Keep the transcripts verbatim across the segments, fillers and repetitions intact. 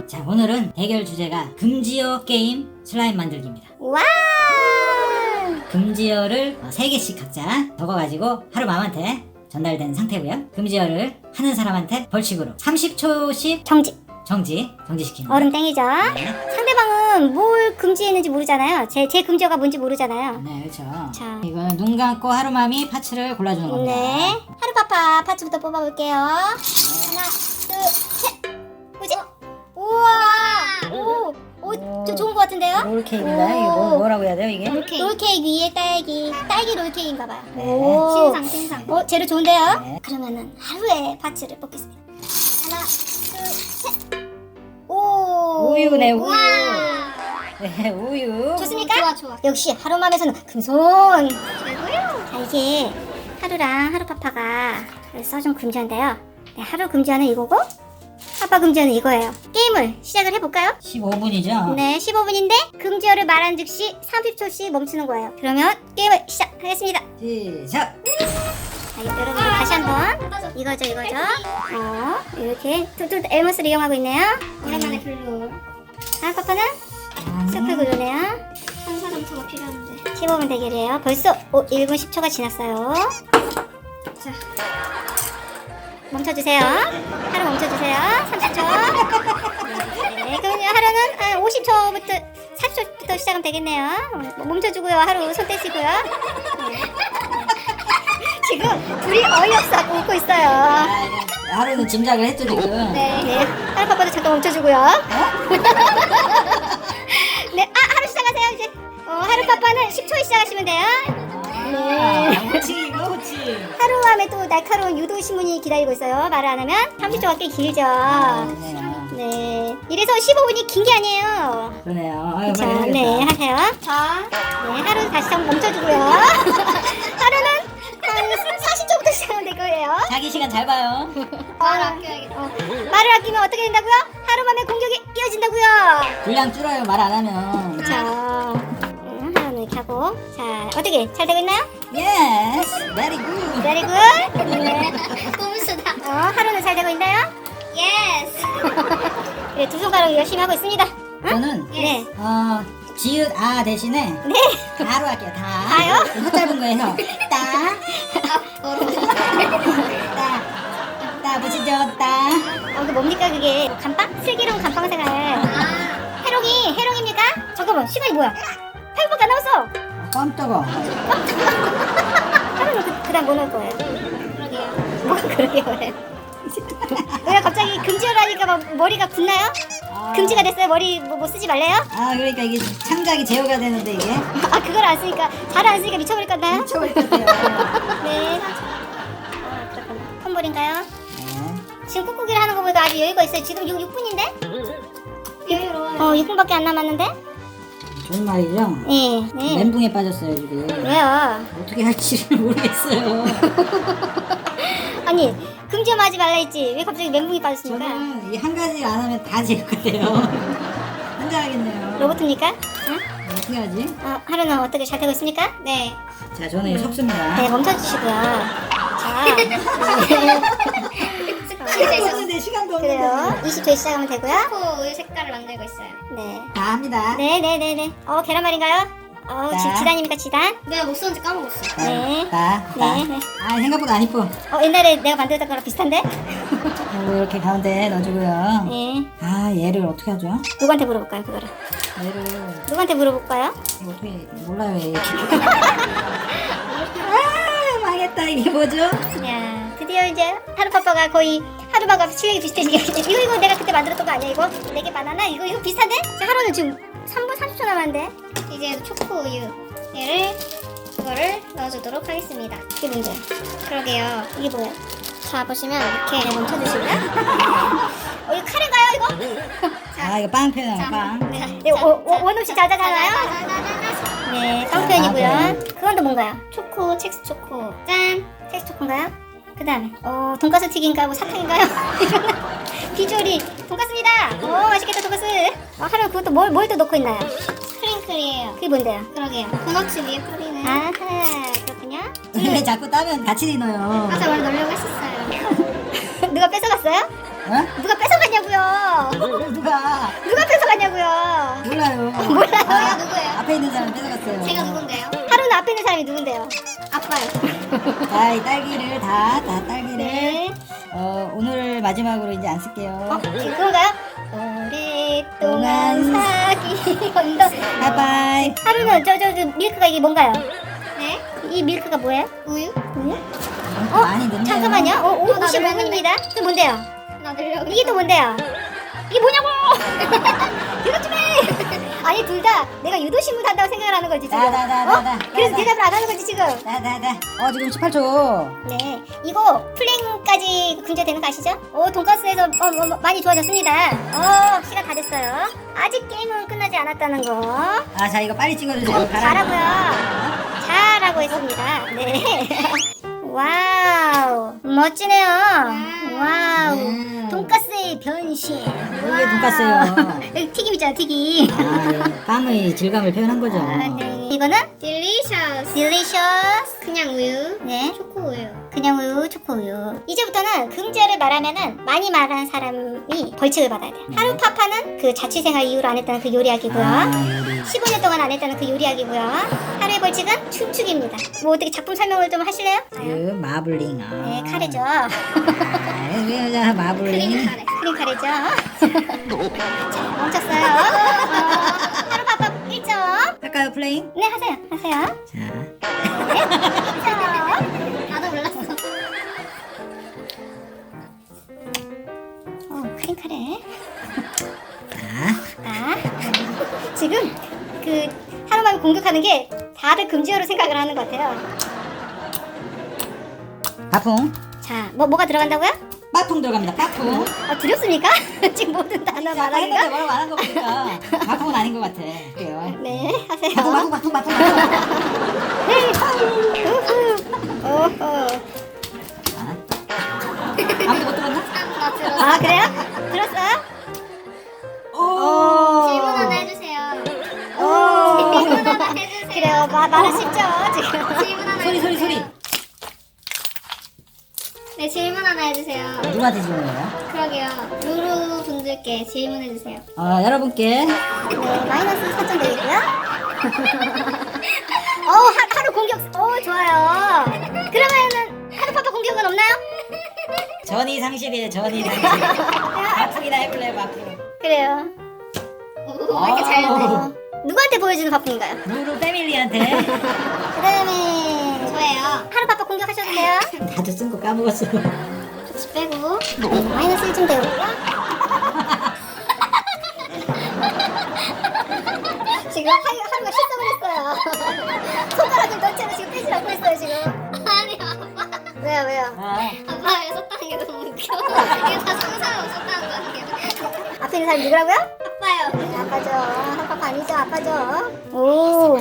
자, 오늘은 대결 주제가 금지어 게임 슬라임 만들기입니다. 와! 금지어를 세 개씩 각자 적어가지고 하루맘한테 전달된 상태고요. 금지어를 하는 사람한테 벌칙으로 삼십 초씩 정지. 정지, 정지시키는 얼음 땡이죠. 네. 상대방은 뭘 금지했는지 모르잖아요. 제, 제 금지어가 뭔지 모르잖아요. 네, 그렇죠. 자. 이거는 눈 감고 하루맘이 파츠를 골라주는 겁니다. 네. 하루파파 파츠부터 뽑아볼게요. 하나, 둘, 셋. 뭐지? 우와! 오! 오, 저 좋은 것 같은데요? 롤케이크인가요? 이게 뭐, 뭐라고 해야 돼요, 이게? 롤케이크. 롤케이크 위에 딸기. 딸기 롤케이크인가봐요. 네. 오. 신상 신상. 어, 재료 좋은데요? 네. 그러면은 하루에 파츠를 뽑겠습니다. 하나, 둘, 셋. 오. 우유네, 우유. 우와. 네, 우유. 좋습니까? 좋아 좋아. 역시 하루맘에서는 금손. 최고요. 자, 이게 하루랑 하루파파가 써준 금지어인데요. 네, 하루 금지어는 이거고 파파 금지어는 이거예요. 게임을 시작을 해볼까요? 십오 분이죠? 네, 십오 분인데 금지어를 말한 즉시 삼십 초씩 멈추는 거예요. 그러면 게임을 시작하겠습니다. 시작! 자, 여러분 다시 한번 이거죠 이거죠. 어, 이렇게 툴툴 엘머스를 이용하고 있네요. 오랜만에 블루. 하루파파는 스프 그루네요. 천사 점수가 필요한데. 십오 분 대결이에요. 벌써 오, 일 분 십 초가 지났어요. 자. 멈춰주세요. 하루 멈춰주세요. 삼십 초. 네, 그러면 하루는 한 오십 초부터 사십 초부터 시작하면 되겠네요. 어, 멈춰주고요. 하루 손 떼시고요. 네. 지금 둘이 어이없어 웃고 있어요. 하루는 짐작을 했죠, 지금. 네, 네. 하루 파파도 잠깐 멈춰주고요. 네, 아 하루 시작하세요 이제. 어, 하루 파파는 십 초에 시작하시면 돼요. 네. 호치, 이거 호치. 하루밤에 또 날카로운 유도 신문이 기다리고 있어요. 말을 안 하면 삼십 초가 꽤 길죠. 그러네요. 네. 이래서 십오 분이 긴 게 아니에요. 그러네요. 아유, 자, 빨리 네, 해야겠다. 하세요. 자. 네, 하루 다시 한번 멈춰주고요. 하루는 한 사십 초부터 시작하면 될 거예요. 자기 시간 잘 봐요. 말 아껴야겠다. 어, 말을 아끼면 어떻게 된다고요? 하루만에 공격이 이어진다고요. 분량 줄어요, 말 안 하면. 자, 음, 하루는 이렇게 하고. 자, 어떻게 잘 되고 있나요? Yes, very good. Very good. 네. 꼼수다. 어, 하루는 잘 되고 있나요? 예스. 네, 두 손가락 열심히 하고 있습니다. 저는 네. 어 지읒 아 대신에 네. 다로 할게요. 다. 다요? 혀 짧은 거에서 따, 따, 따 붙이죠, 따. 어, 그 뭡니까 그게? 감빵? 슬기로운 감빵 생활. 아. 해롱이, 해롱입니까? 잠깐만, 시간이 뭐야? 팔 분밖에 안 남았어. 깜짝아. 하루는 그, 그 다음 뭐 넣을 거예요? 그러게요. 뭐 그러게 왜? 왜 갑자기 금지어를 하니까 막 머리가 굳나요? 아, 금지가 됐어요? 머리 뭐, 뭐 쓰지 말래요? 아 그러니까 이게 창작이 제어가 되는데 이게 아 그걸 안 쓰니까 잘 안 쓰니까 미쳐버릴 건가요? 미쳐버릴 것 같아요. 네. 어, 그렇군요. 콤볼인가요? 네. 지금 꾹꾹이를 하는 거 보니까 아주 여유가 있어요. 지금 육 분인데? 여유로워요. 어, 육 분밖에 안 남았는데? 좋은 말이죠. 네. 네. 멘붕에 빠졌어요 지금. 왜요? 어떻게 할지를 모르겠어요. 아니 금지어만 하지 말라 했지 왜 갑자기 멘붕이 빠졌습니까? 저는 이 한 가지를 안 하면 다 제어가 돼요. 혼자 하겠네요. 로봇입니까? 응? 어떻게 하지? 어, 하루는 어떻게 잘 되고 있습니까? 네. 자, 저는 이거 섞습니다. 네 멈춰주시고요. 자 이제 없는데 시간도 없는데. 그래요. 이십 초에 시작하면 되고요. 초코 우유 색깔을 만들고 있어요. 네. 다 합니다. 네네네네. 어 계란말인가요? 어 지, 자. 지단입니까 지단? 내가 못 썼는지 까먹었어. 자, 네. 다, 다. 네, 네. 아, 생각보다 안 이뻐. 어 옛날에 내가 만들었던 거랑 비슷한데? 그리고 이렇게 가운데 넣어주고요. 네. 아, 얘를 어떻게 하죠? 누구한테 물어볼까요 그거를? 얘를 누구한테 물어볼까요? 이거 어떻게 몰라요, 얘. 아, 망했다. 이게 뭐죠? 야 드디어 이제 하루파파가 거의 하루마가 실력이 비슷해지게 이거 이거 내가 그때 만들었던 거 아니야 이거? 네개 바나나 이거 이거 비슷한데? 자, 하루는 지금 삼 분 삼십 초 남았는데 이제 초코 우유 얘를 그거를 넣어주도록 하겠습니다. 이게 문제야. 그러게요. 이게 뭐야? 자 보시면 이렇게 네, 멈춰주시고요. 어 이거 카레인가요 이거? 아, 이거 빵 표현이야, 빵. 네. 네, 원, 원, 원 없이 자자잖아요? 자자자자자. 네, 빵편이고요. 그건 또 뭔가요? 초코, 첵스 초코. 짠! 첵스 초코인가요? 그 다음에, 어, 돈가스 튀김인가, 뭐 사탕인가요? 비주얼이 돈가스입니다! 오, 맛있겠다, 돈가스! 어, 하루 그것도 뭘, 뭘 또 넣고 있나요? 스프링클이에요. 그게 뭔데요? 그러게요. 도넛 위에 뿌리는. 아하, 그렇군요. 왜 자꾸 따면 같이 넣어요? 아까 원래 넣으려고 했었어요. 누가 뺏어갔어요? 어? 누가 뺏어갔냐고요? 뺏어갔어요. 누가? 누가 뺏어갔냐고요. 몰라요. 몰라요. 저희가 누구예요? 앞에 있는 사람 뺏어갔어요. 제가 누군데요? 하루는 앞에 있는 사람이 누군데요? 아빠요. 자, 이 딸기를 다, 다 딸기를. 네. 어, 오늘 마지막으로 이제 안 쓸게요. 어, 그건가요? 오랫동안 사귀 언더. 바이바이. 하루는 저 저 저 밀크가 이게 뭔가요? 네? 이 밀크가 뭐예요? 우유? 우유? 어, 많이 넣네요. 잠깐만요. 어, 오, 나도 오십오 분입니다. 또 뭔데요? 나들려고. 이게 또 뭔데요? 이게 뭐냐고! 대답 좀 해! 아니 둘 다 내가 유도신문 한다고 생각을 하는 거지 지금. 나, 나, 나, 나, 어? 나, 그래서 나, 대답을 안 하는 거지 지금. 나, 나, 나. 어, 지금 십팔 초. 네, 이거 플랭까지 금지되는 거 아시죠? 오, 돈가스에서 어, 어, 어, 많이 좋아졌습니다. 어, 시간 다 됐어요. 아직 게임은 끝나지 않았다는 거. 아, 자, 이거 빨리 찍어주세요. 가라. 잘하고요. 잘하고 있습니다. 네. 와우, 멋지네요. 와우, 음. 돈가스의 변신. 이게 돈가스예요. 여기 튀김 있잖아, 튀김. 아, 예. 빵의 질감을 표현한 거죠. 아, 네. 이거는 딜리셔스. 딜리셔스. 그냥 우유. 네. 초코 우유. 그냥 우유, 초코 우유. 이제부터는 금지어를 말하면은 많이 말한 사람이 벌칙을 받아야 돼요. 네. 하루 파파는 그 자취생활 이후로 안 했다는 그 요리하기고요. 아, 우리. 십오 년 동안 안 했다는 그 요리하기고요. 하루의 벌칙은 춤추기입니다. 뭐 어떻게 작품 설명을 좀 하실래요? 그 마블링. 아. 네, 카레죠. 아, 자, 마블링. 크림 카레. 크림 카레죠. 자, 멈췄어요. 어, 하루 파파 일 점. 할까요, 플레잉? 네, 하세요. 하세요. 자, 네, 일 점. 나도 몰랐어. 어, 크림 카레. 자. 아, 지금 그 하루만 공격하는 게 다들 금지어로 생각을 하는 것 같아요. 바풍. 자, 뭐 뭐가 들어간다고요? 빠풍 들어갑니다. 빠풍. 어, 두렵습니까? 지금 모든 단어 아까 했는데 말하기가? 뭐라고 안 한 거 보니까 바풍은 아닌 것 같아. 그래요. 네, 하세요. 바풍, 바풍, 바풍, 바풍. 네, 우후. 오호. 자. 아무도 못 들었나? 나 들었어. 아, 그래요? 들었어요? 오. 질문 하나 해주세요. 오. 질문 하나 해주세요. 그래요, 마, 말은 쉽죠, 지금. 질문 하나 소리, 소리, 해주세요. 소리. 네, 질문 하나 해주세요. 누구한테 질문해요? 그러게요. 루루 분들께 질문해주세요. 어, 여러분께 네, 마이너스 사 점 되겠고요. 어, 하, 하루 공격, 어, 좋아요. 그러면은 하루 파파 공격은 없나요? 전이 상실이에요. 전이 상실. 바풍이나 해볼래요, 바풍. 그래요. 오, 왜 이렇게 잘 어. 돼? 어, 누구한테 보여주는 파프인가요? 루루 패밀리한테. 그 다음에 저예요. 하루 파파 공격하셔도 돼요. 다들 쓴 거 까먹었어. 좋지 빼고 네, 마이너스 일 점 되고요. 지금 하루, 하루가 실성을 했어요. 손가락을 넣은 채로 지금 빼지 않고 있어요 지금. 아니, 아빠. 왜요 왜요? 아, 아빠가 썼다는 게 너무 웃겨. 이게 다 상상하고 썼다는 거 아니에요? 앞에 있는 사람이 누구라고요? 아빠요. 네, 아빠죠. 하루 파파 아니죠 아빠죠. 오.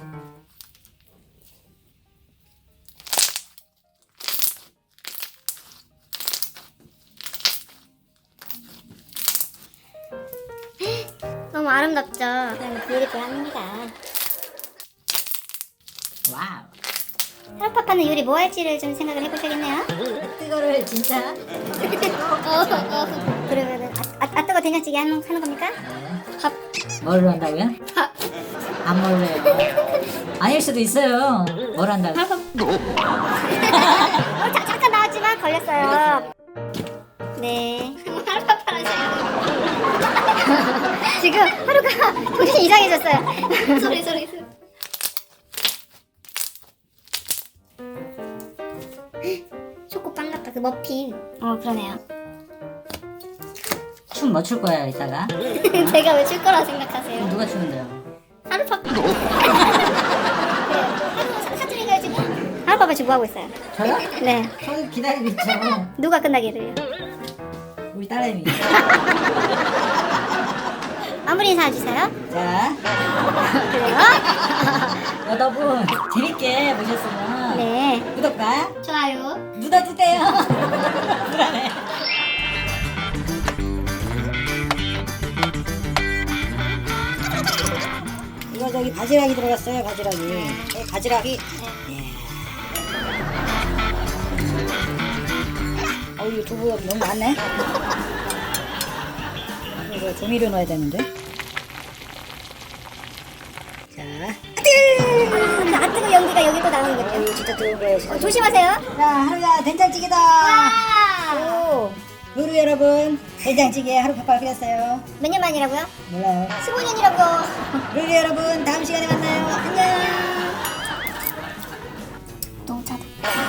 너무 아름답죠? 네, 뷰티풀 합니다. 와우. 하루 파파는 요리 뭐 할지를 좀 생각을 해보셔야겠네요. 뜨거를 진짜. 어, 어. 그러면은 아, 아, 아 뜨거 된장찌개 하는, 하는 겁니까? 밥. 뭘로 한다고요? 안 먹을래요. 아닐 수도 있어요. 뭘 한다고? 어, 자, 잠깐 나왔지만 걸렸어요. 네. 하루파파라시는 지금 하루가 정신이 이상해졌어요. 소리, 소리, 소리. 초코빵 같다, 그 머핀. 어 그러네요. 춤 뭐 출 거예요, 이따가? 제가 왜 출 거라 생각하세요? 누가 추는데요? 하루파파. 그래요. 하루 사투리가요 지금? 하루 파파 지금 뭐 하고 있어요? 저요? 네. 저 기다리고 있죠. 누가 끝나기를요? 우리 딸내미. 마무리 인사 해주세요. 자, 그래요? 여러분 재밌게 보셨으면 네. 구독과 좋아요. 눌러주세요. 불안해. 이거 저기 바지락이 들어갔어요. 바지락이. 네, 바지락이. 예. 어, 이거 두부 너무 많네. 이거 조미료 넣어야 되는데. 자, 아, 안 뜨거 연기가 여기 또 나오는군요. 이거 진짜 뜨거운 거예요. 진짜. 어, 조심하세요. 자, 하루야 된장찌개다. 오. 루루 여러분, 된장찌개 하루 팍팍 끓였어요. 몇 년 만이라고요? 몰라요. 십오 년이라고요. 루루 여러분, 다음 시간에 만나요. 안녕. 너무 짜다.